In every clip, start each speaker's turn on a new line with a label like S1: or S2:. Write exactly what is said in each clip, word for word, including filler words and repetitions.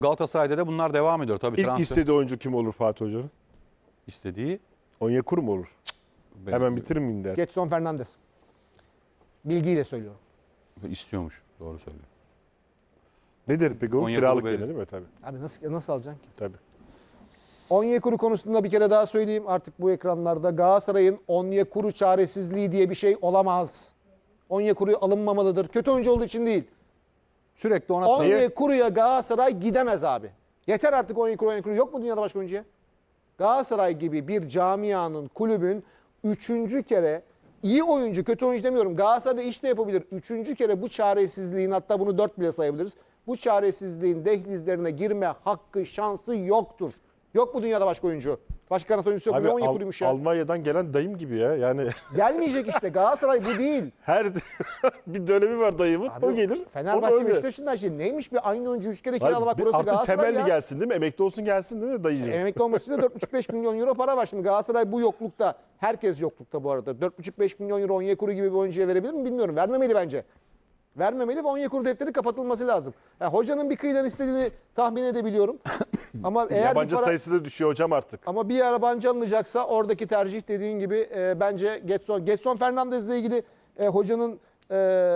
S1: Galatasaray'da da bunlar devam ediyor tabii.
S2: İlk
S1: transfer
S2: istediği oyuncu kim olur Fatih Hoca'nın?
S1: istediği.
S2: Onyekuru mu olur?
S1: Ben-
S2: Hemen bitirir miyim der.
S3: Getson Fernandes. Bilgiyle söylüyorum.
S1: istiyormuş. Doğru söylüyor.
S2: Nedir peki o?
S1: Onyekuru
S2: Kiralık
S1: belli.
S2: gene değil mi? Tabii.
S3: Abi nasıl nasıl alacaksın ki?
S2: Tabii.
S3: Onyekuru konusunda bir kere daha söyleyeyim artık bu ekranlarda. Galatasaray'ın Onyekuru çaresizliği diye bir şey olamaz. Onyekuru alınmamalıdır. Kötü oyuncu olduğu için değil.
S1: Sürekli ona sayı.
S3: Onyekuru'ya Galatasaray gidemez abi. Yeter artık Onyekuru, Onyekuru. Yok mu dünyada başka oyuncuya? Galatasaray gibi bir camianın, kulübün üçüncü kere iyi oyuncu, kötü oyuncu demiyorum. Galatasaray'da iş de yapabilir. Üçüncü kere bu çaresizliğin, hatta bunu dört bile sayabiliriz. Bu çaresizliğin dehlizlerine girme hakkı, şansı yoktur. Yok mu dünyada başka oyuncu? Başka kanat oyuncusu yok.
S2: Abi,
S3: Ne
S2: Al-
S3: Onyekuru'ymuş ya?
S2: Almanya'dan gelen dayım gibi ya. Yani
S3: Gelmeyecek işte. Galatasaray bu değil.
S2: her bir dönemi var dayımın.
S3: Abi,
S2: o gelir.
S3: Fenerbahçe
S2: o da öyle.
S3: Beşiktaş'ın da şey neymiş bir aynı oyuncu üç kere
S2: Hayır,
S3: kiralamak
S2: bir-
S3: burası
S2: artık
S3: Galatasaray
S2: temelli
S3: ya.
S2: gelsin değil mi? Emekli olsun gelsin değil mi dayıcığım?
S3: Emekli olması için de dört buçuk beş milyon euro para var. Şimdi Galatasaray bu yoklukta, herkes yoklukta bu arada. dört buçuk beş milyon euro Onyekuru gibi bir oyuncuya verebilir mi bilmiyorum. Vermemeli bence. Vermemeli ve Onyekuru defteri kapatılması lazım. Yani hocanın bir kıyıdan istediğini tahmin edebiliyorum. Ama eğer
S2: Yabancı
S3: bir para,
S2: sayısı da düşüyor hocam artık.
S3: ama bir yabancı alınacaksa oradaki tercih dediğin gibi e, bence Getson. Getson Fernandez'le ilgili e, hocanın e,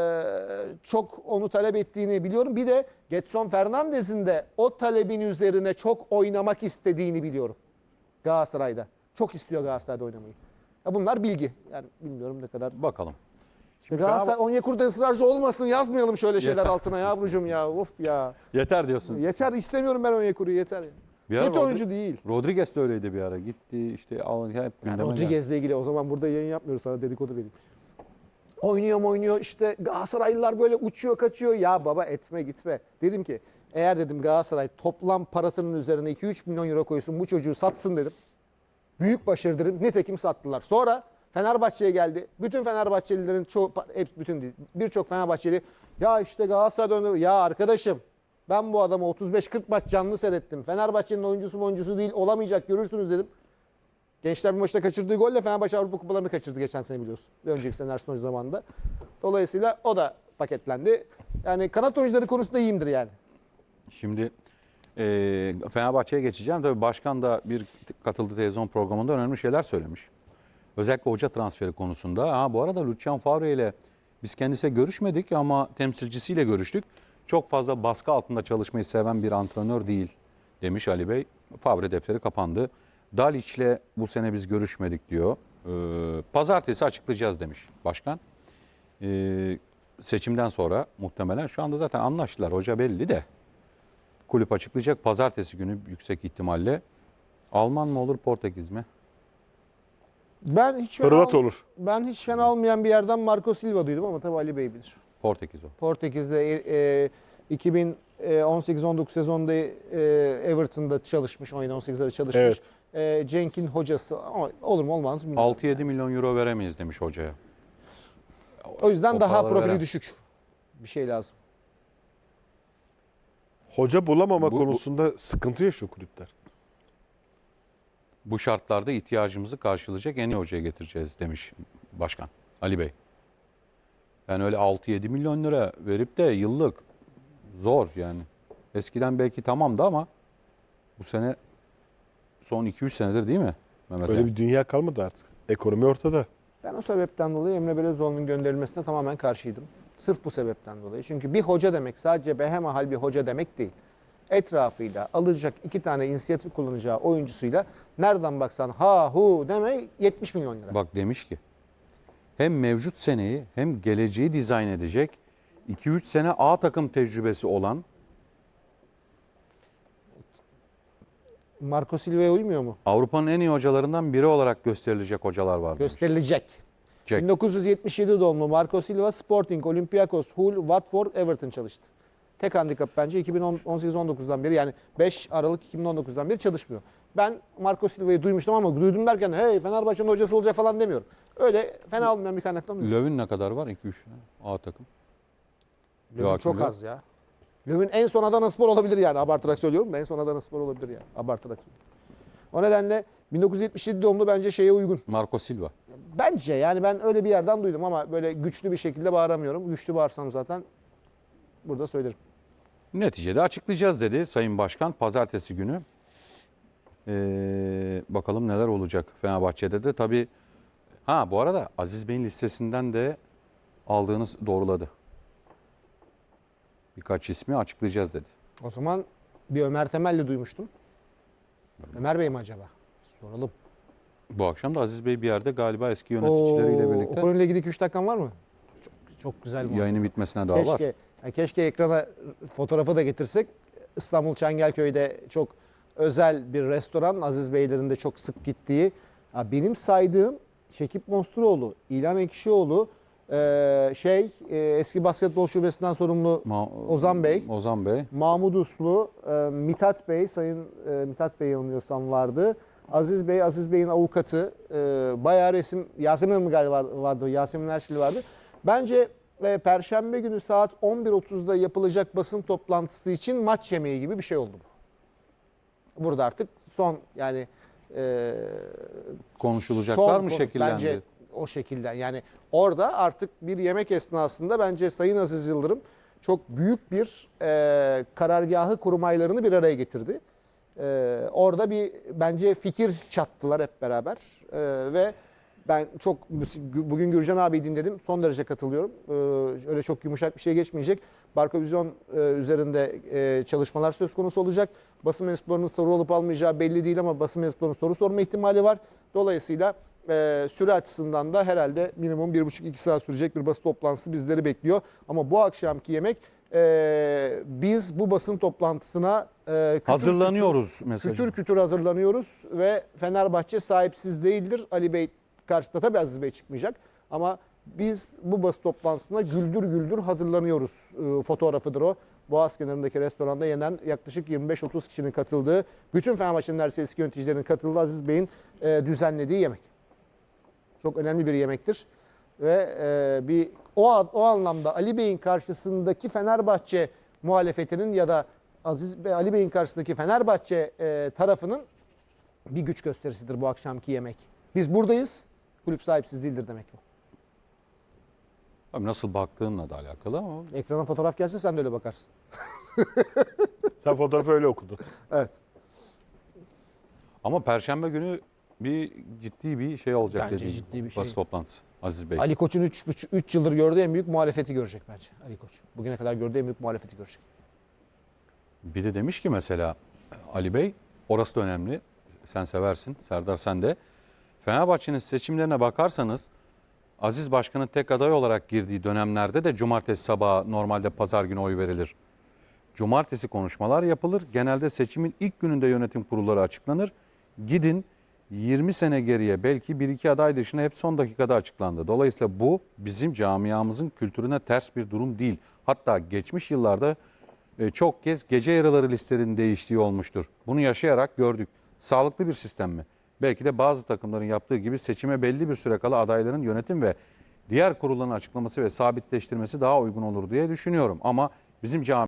S3: çok onu talep ettiğini biliyorum. Bir de Getson Fernandez'in de o talebin üzerine çok oynamak istediğini biliyorum. Galatasaray'da. Çok istiyor Galatasaray'da oynamayı. Ya bunlar bilgi. Yani bilmiyorum ne kadar.
S1: Bakalım.
S3: İşte Galatasaray Onyekuru'da ısrarcı olmasın, yazmayalım şöyle şeyler
S1: Yeter.
S3: altına yavrucuğum ya. Of ya.
S1: Yeter diyorsun.
S3: Yeter, istemiyorum ben Onyekuru'yu, yeter. Ya.
S1: Bir ara
S3: Kötü
S1: Rodri-
S3: oyuncu değil.
S1: Rodriguez de öyleydi bir ara. Gitti işte al hep
S3: Yani
S1: gündeme geldi.
S3: Rodriguez'le ilgili o zaman burada yayın yapmıyoruz, sana dedikodu vereyim. Oynuyor mu oynuyor işte Galatasaraylılar böyle uçuyor kaçıyor. Ya baba etme gitme. Dedim ki eğer dedim Galatasaray toplam parasının üzerine iki üç milyon euro koysun bu çocuğu satsın dedim. Büyük başarı dedim. Nitekim sattılar. Sonra Fenerbahçe'ye geldi. Bütün Fenerbahçelilerin çoğu, hep bütün değil, birçok Fenerbahçeli ya işte Galatasaray'da oynadı. Ya arkadaşım ben bu adamı otuz beş kırk maç canlı seyrettim. Fenerbahçe'nin oyuncusu mu oyuncusu değil olamayacak görürsünüz dedim. Gençler bir maçta kaçırdığı golle Fenerbahçe Avrupa Kupalarını kaçırdı geçen sene biliyorsun. Bir önceki sene Ersun Hoca zamanında. Dolayısıyla o da paketlendi. Yani kanat oyuncuları konusunda iyiyimdir yani.
S1: Şimdi e, Fenerbahçe'ye geçeceğim. Tabii başkan da bir katıldığı televizyon programında önemli şeyler söylemiş. Özellikle hoca transferi konusunda. Ha, bu arada Lucian Favre ile biz kendisiyle görüşmedik ama temsilcisiyle görüştük. Çok fazla baskı altında çalışmayı seven bir antrenör değil demiş Ali Bey. Favre defteri kapandı. Daliç'le bu sene biz görüşmedik diyor. Ee, pazartesi açıklayacağız demiş başkan. Ee, seçimden sonra muhtemelen şu anda zaten anlaştılar. Hoca belli de. Kulüp açıklayacak pazartesi günü yüksek ihtimalle. Alman mı olur Portekiz mi?
S3: Ben hiç fena,
S2: Hırvat
S3: al-
S2: olur.
S3: ben hiç fena olmayan bir yerden Marco Silva duydum ama tabii Ali Bey bilir.
S1: Portekiz o.
S3: Portekiz'de e, iki bin on sekiz on dokuz sezonda e, Everton'da çalışmış, on yedi on sekizlerde çalışmış.
S2: Evet.
S3: E, Cenk'in hocası ama olur mu olmaz mı bilmiyorum.
S1: altı yedi milyon euro veremeyiz demiş hocaya.
S3: O yüzden
S1: O
S3: daha
S1: paraları
S3: profili
S1: veren.
S3: düşük bir şey lazım.
S2: Hoca bulamama
S1: Bu- bu-
S2: konusunda sıkıntı yaşıyor kulüpler.
S1: Bu şartlarda ihtiyacımızı karşılayacak en iyi hocaya getireceğiz demiş başkan Ali Bey. Yani öyle altı yedi milyon lira verip de yıllık zor yani. Eskiden belki tamamdı ama bu sene son iki üç senedir değil mi Mehmet
S2: Öyle
S1: Ali?
S2: bir dünya kalmadı artık. Ekonomi ortada.
S3: Ben o sebepten dolayı Emre Belözoğlu'nun gönderilmesine tamamen karşıydım. Sırf bu sebepten dolayı. Çünkü bir hoca demek sadece behemahal bir hoca demek değil. Etrafıyla alacak iki tane inisiyatif kullanacağı oyuncusuyla nereden baksan ha hu deme yetmiş milyon lira.
S1: Bak demiş ki hem mevcut seneyi hem geleceği dizayn edecek iki üç sene A takım tecrübesi olan
S3: Marco Silva'ya uymuyor mu?
S1: Avrupa'nın en iyi hocalarından biri olarak gösterilecek hocalar var demiş.
S3: Gösterilecek.
S1: Jack.
S3: bin dokuz yüz yetmiş yedi doğumlu Marco Silva, Sporting, Olympiakos, Hull, Watford, Everton çalıştı. Tek handikap bence iki bin on sekiz on dokuzdan beri yani beş Aralık iki bin on dokuzdan beri çalışmıyor. Ben Marco Silva'yı duymuştum ama duydum derken hey Fenerbahçe'nin hocası olacak falan demiyorum. Öyle fena olmayan bir kaynaktan duymuştum.
S1: Löw'ün ne kadar var? iki üç A takım.
S3: Löw'ün
S1: Joachim
S3: çok
S1: Löw.
S3: az ya. Löw'ün en son Adanaspor olabilir yani abartarak söylüyorum da en son Adanaspor olabilir yani abartarak söylüyorum. O nedenle bin dokuz yüz yetmiş yedi doğumlu bence şeye uygun.
S1: Marco Silva.
S3: Bence yani ben öyle bir yerden duydum ama böyle güçlü bir şekilde bağıramıyorum. Güçlü bağırsam zaten burada söylerim.
S1: Neticede açıklayacağız dedi Sayın Başkan pazartesi günü. Ee, bakalım neler olacak Fenerbahçe'de de. Tabii ha bu arada Aziz Bey'in listesinden de aldığınız doğruladı. Birkaç ismi açıklayacağız dedi.
S3: O zaman bir Ömer Temelli duymuştum. Ömer Bey mi acaba? Soralım.
S1: Bu akşam da Aziz Bey bir yerde galiba eski yöneticileriyle
S3: Oo,
S1: birlikte
S3: O konuyla ilgili iki üç dakikan var mı? Çok, çok güzel bir
S1: yayının
S3: muhabbet.
S1: bitmesine daha var.
S3: Keşke, yani keşke ekrana fotoğrafı da getirsek. İstanbul Çengelköy'de çok özel bir restoran. Aziz Beylerin de çok sık gittiği. Ya benim saydığım Şekip Monsturoğlu, İlhan Ekşioğlu, e, şey e, eski basketbol şubesinden sorumlu
S1: Ma-
S3: Ozan Bey,
S1: Ozan Bey.
S3: Mahmut Uslu, e, Mithat Bey, Sayın e, Mithat Bey yanılmıyorsam vardı. Aziz Bey, Aziz Bey'in avukatı, e, bayağı resim, Yasemin Hanım galiba vardı, Yasemin Erşili vardı. Bence e, Perşembe günü saat on bir otuzda yapılacak basın toplantısı için maç yemeği gibi bir şey oldu bu. Burada artık son yani e,
S1: Konuşulacaklar
S3: son
S1: mı
S3: konu.
S1: şekillendi?
S3: Bence o şekilden yani orada artık bir yemek esnasında bence Sayın Aziz Yıldırım çok büyük bir e, karargahı kurmaylarını bir araya getirdi. E, orada bir bence fikir çattılar hep beraber E, ve ben çok bugün Gürcan abi dinledim. Son derece katılıyorum. E, öyle çok yumuşak bir şey geçmeyecek. Barkovizyon e, üzerinde e, çalışmalar söz konusu olacak. Basın mensuplarının soru olup almayacağı belli değil ama basın mensuplarının soru sorma ihtimali var. Dolayısıyla e, süre açısından da herhalde minimum bir buçuk iki saat sürecek bir basın toplantısı bizleri bekliyor. Ama bu akşamki yemek e, biz bu basın toplantısına e, kütür
S1: Hazırlanıyoruz
S3: kütür,
S1: mesajı.
S3: kütür kütür hazırlanıyoruz ve Fenerbahçe sahipsiz değildir. Ali Bey karşısında tabii Aziz Bey çıkmayacak ama biz bu basın toplantısına güldür güldür hazırlanıyoruz. E, fotoğrafıdır o. Boğaz kenarındaki restoranda yenen yaklaşık yirmi beş otuz kişinin katıldığı, bütün Fenerbahçe'nin neredeyse eski yöneticilerinin katıldığı Aziz Bey'in e, düzenlediği yemek. Çok önemli bir yemektir. Ve e, bir o, o anlamda Ali Bey'in karşısındaki Fenerbahçe muhalefetinin ya da Aziz Bey, Ali Bey'in karşısındaki Fenerbahçe e, tarafının bir güç gösterisidir bu akşamki yemek. Biz buradayız, kulüp sahipsiz değildir demek bu.
S1: Tabii nasıl baktığınla da alakalı ama
S3: Ekrana fotoğraf gelse sen de öyle bakarsın.
S2: Sen fotoğrafı öyle okudun.
S3: Evet.
S1: ama Perşembe günü bir ciddi bir şey olacak
S3: Bence
S1: dediğim
S3: ciddi bir şey.
S1: basın toplantısı Aziz Bey.
S3: Ali Koç'un üç yıldır gördüğü en büyük muhalefeti görecek bence Ali Koç. Bugüne kadar gördüğü en büyük muhalefeti görecek.
S1: Bir de demiş ki mesela Ali Bey, orası da önemli. Sen seversin, Serdar sen de. Fenerbahçe'nin seçimlerine bakarsanız Aziz Başkan'ın tek aday olarak girdiği dönemlerde de cumartesi sabahı normalde pazar günü oy verilir. Cumartesi konuşmalar yapılır. Genelde seçimin ilk gününde yönetim kurulları açıklanır. Gidin yirmi sene geriye belki bir iki aday dışında hep son dakikada açıklandı. Dolayısıyla bu bizim camiamızın kültürüne ters bir durum değil. Hatta geçmiş yıllarda e, çok kez gece yarıları listelerinin değiştiği olmuştur. Bunu yaşayarak gördük. Sağlıklı bir sistem mi? Belki de bazı takımların yaptığı gibi seçime belli bir süre kala adayların yönetim ve diğer kurulların açıklaması ve sabitleştirmesi daha uygun olur diye düşünüyorum. Ama bizim cami